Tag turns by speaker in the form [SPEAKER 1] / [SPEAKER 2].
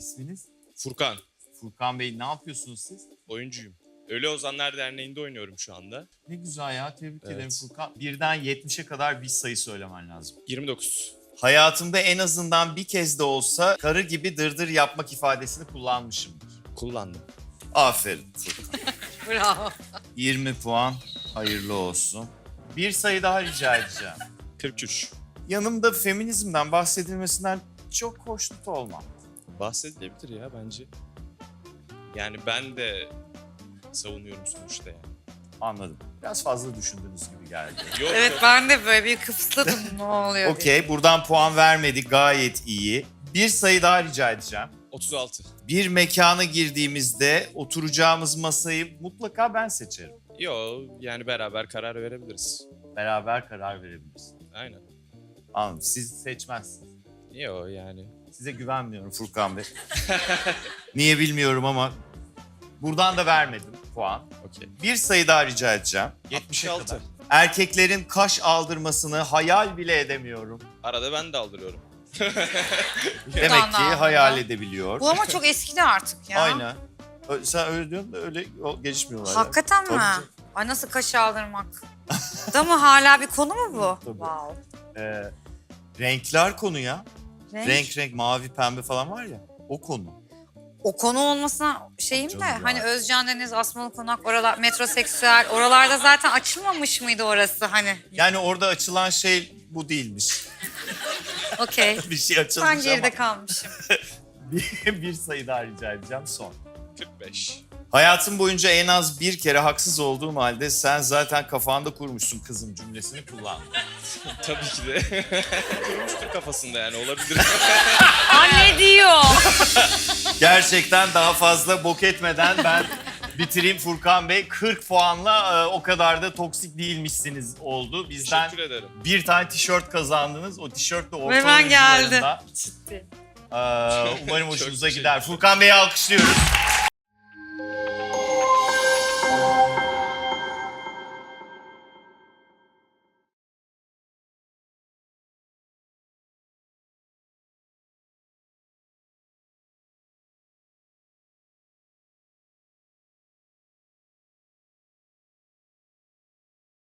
[SPEAKER 1] İsminiz?
[SPEAKER 2] Furkan,
[SPEAKER 1] Furkan Bey, ne yapıyorsunuz siz?
[SPEAKER 2] oyuncuyum. Ölü Ozanlar Derneği'nde oynuyorum şu anda.
[SPEAKER 1] Ne güzel ya, tebrik ederim
[SPEAKER 2] Evet.
[SPEAKER 1] Furkan. Birden 70'e kadar bir sayı söylemen lazım.
[SPEAKER 2] 29.
[SPEAKER 1] Hayatımda en azından bir kez de olsa karı gibi dırdır yapmak ifadesini kullanmışımdır.
[SPEAKER 2] Kullandım.
[SPEAKER 1] Aferin Furkan.
[SPEAKER 3] Bravo.
[SPEAKER 1] 20 puan, hayırlı olsun. Bir sayı daha rica edeceğim.
[SPEAKER 2] 43.
[SPEAKER 1] Yanımda feminizmden bahsedilmesinden çok hoşnut olmam.
[SPEAKER 2] Bahsedilebilir ya bence. Yani ben de savunuyorum sonuçta yani.
[SPEAKER 1] Anladım. Biraz fazla düşündüğünüz gibi geldi.
[SPEAKER 2] Yok
[SPEAKER 3] Evet
[SPEAKER 2] yok.
[SPEAKER 3] ben de böyle bir kıpsladım ne oluyor diye.
[SPEAKER 1] Okey, buradan puan vermedik, gayet iyi. Bir sayı daha rica edeceğim.
[SPEAKER 2] 36.
[SPEAKER 1] Bir mekana girdiğimizde oturacağımız masayı mutlaka ben seçerim.
[SPEAKER 2] Yo yani beraber karar verebiliriz.
[SPEAKER 1] Beraber karar verebiliriz.
[SPEAKER 2] Aynen.
[SPEAKER 1] Anladım. Siz seçmezsiniz.
[SPEAKER 2] Yo yani.
[SPEAKER 1] Size güvenmiyorum Furkan Bey. Niye bilmiyorum ama buradan da vermedim puan.
[SPEAKER 2] Okey.
[SPEAKER 1] Bir sayı daha rica edeceğim.
[SPEAKER 2] 76.
[SPEAKER 1] Erkeklerin kaş aldırmasını hayal bile edemiyorum.
[SPEAKER 2] Arada ben de aldırıyorum.
[SPEAKER 1] Demek ki
[SPEAKER 3] anlamda.
[SPEAKER 1] hayal edebiliyor.
[SPEAKER 3] Bu ama çok eskidi artık ya.
[SPEAKER 1] Aynen. Sen öyle diyorsun da öyle gelişmiyorlar. ya.
[SPEAKER 3] Hakikaten mi?
[SPEAKER 1] Tabii canım.
[SPEAKER 3] Ay nasıl kaş aldırmak? Da mı hala bir konu mu bu?
[SPEAKER 1] Tabii.
[SPEAKER 3] Wow.
[SPEAKER 1] Renkler konu ya.
[SPEAKER 3] Renk.
[SPEAKER 1] Renk mavi pembe falan var ya. O konu.
[SPEAKER 3] O konu olmasına şeyim
[SPEAKER 1] Canım
[SPEAKER 3] de
[SPEAKER 1] ya.
[SPEAKER 3] hani Özcan Deniz, Asmalı Konak, oralar metroseksüel, oralarda zaten açılmamış mıydı orası hani?
[SPEAKER 1] Yani orada açılan şey bu değilmiş.
[SPEAKER 3] Okey.
[SPEAKER 1] Bir şey açılmış
[SPEAKER 3] Ben geride
[SPEAKER 1] ama
[SPEAKER 3] kalmışım.
[SPEAKER 1] bir sayı daha rica edeceğim son.
[SPEAKER 2] 45.
[SPEAKER 1] Hayatım boyunca en az bir kere haksız olduğum halde sen zaten kafanda kurmuşsun kızım cümlesini kullan.
[SPEAKER 2] Tabii ki de. Kurmuştur kafasında yani olabilir.
[SPEAKER 3] Anne diyor.
[SPEAKER 1] Gerçekten daha fazla bok etmeden ben bitireyim Furkan Bey. 40 puanla o kadar da toksik değilmişsiniz oldu. Bizden
[SPEAKER 2] Teşekkür ederim.
[SPEAKER 1] bir tane tişört kazandınız. O tişört de orta
[SPEAKER 3] Hemen geldi.
[SPEAKER 1] oyuncularında.
[SPEAKER 3] Ciddi.
[SPEAKER 1] Umarım
[SPEAKER 2] Çok
[SPEAKER 1] hoşunuza
[SPEAKER 2] teşekkür
[SPEAKER 1] gider. Furkan Bey'i alkışlıyoruz.